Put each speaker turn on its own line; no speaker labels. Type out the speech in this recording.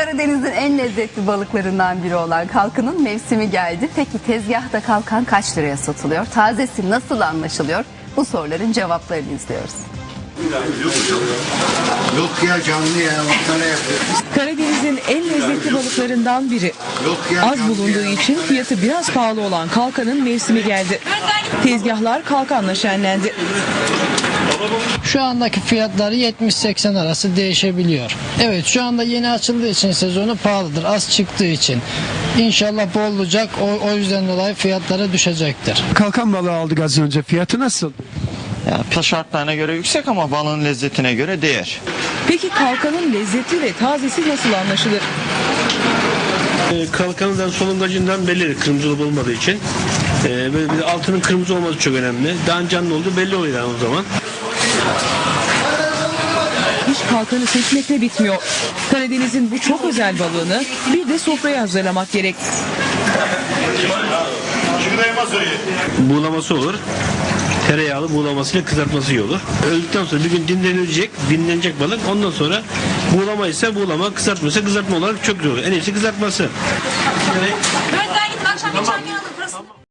Karadeniz'in en lezzetli balıklarından biri olan kalkanın mevsimi geldi. Peki tezgahta kalkan kaç liraya satılıyor? Tazesi nasıl anlaşılıyor? Bu soruların cevaplarını izliyoruz.
Yok ya canlı ya. Baksana yapıyor.
Karadeniz'in en lezzetli balıklarından biri.
Yok ya
Az
canlı
bulunduğu
ya.
için fiyatı biraz pahalı olan kalkanın mevsimi geldi. Tezgahlar kalkanla şenlendi.
Şu andaki fiyatları 70-80 arası değişebiliyor. Evet, şu anda yeni açıldığı için sezonu pahalıdır. Az çıktığı için. İnşallah bol olacak. O yüzden dolayı fiyatları düşecektir.
Kalkan balığı aldık az önce. Fiyatı nasıl?
Yani şartlarına göre yüksek ama balığın lezzetine göre değer.
Peki kalkanın lezzeti ve tazesi nasıl anlaşılır?
Kalkanından solungacından belli, kırmızı olup olmadığı için. Böyle bir altının kırmızı olması çok önemli. Daha canlı olduğu belli oluyor yani o zaman.
İş kalkanı seçmekle bitmiyor. Karadeniz'in bu çok özel balığını bir de sofraya hazırlamak gerek.
Buğulaması olur. Tereyağlı buğulamasıyla kızartması iyi olur. Öldükten sonra bir gün dinlenecek balık. Ondan sonra buğulama ise buğulama, kızartma ise kızartma olarak çok güzel olur. En iyisi kızartması.
Önden gidin akşam bir çay alın.